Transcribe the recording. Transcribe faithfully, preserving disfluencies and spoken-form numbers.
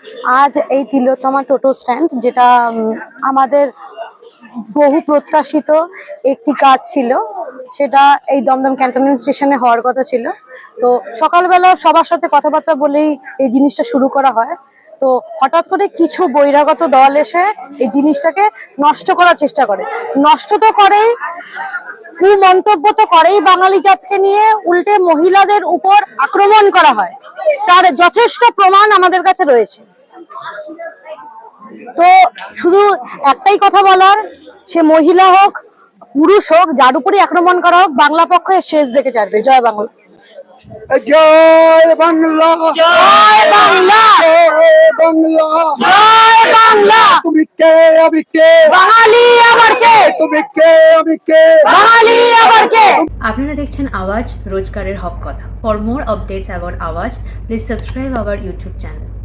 আজ এই তিলোত্তমা টোটো স্ট্যান্ড, যেটা আমাদের বহু প্রত্যাশিত একটি কাজ ছিল, সেটা এই দমদম ক্যান্টনমেন্ট স্টেশনে হওয়ার কথা ছিল। তো সকালবেলা সবার সাথে কথাবার্তা বলেই এই জিনিসটা শুরু করা হয়। তো হঠাৎ করে কিছু বহিরাগত দল এসে এই জিনিসটাকে নষ্ট করার চেষ্টা করে। নষ্ট তো করেই, কুমন্তব্য তো করেই বাঙালি জাতকে নিয়ে, উল্টে মহিলাদের উপর আক্রমণ করা হয়, তার যথেষ্ট প্রমাণ আমাদের কাছে রয়েছে। তো শুধু একটাই কথা বলার, সে মহিলা হোক পুরুষ হোক, যার উপরই আক্রমণ করা হোক, বাংলা পক্ষে শেষ দেখে ছাড়বে। জয় বাংলা, জয় বাংলা, জয় বাংলা, জয় বাংলা, জয় বাংলা। তুমি কে আমি কে, বাঙালি আবার কে, তুমি কে আমি কে, বাঙালি আবার কে। আপনারা দেখছেন আওয়াজ, রোজগারের হক কথা। For more updates about Awaaz, please subscribe our YouTube channel.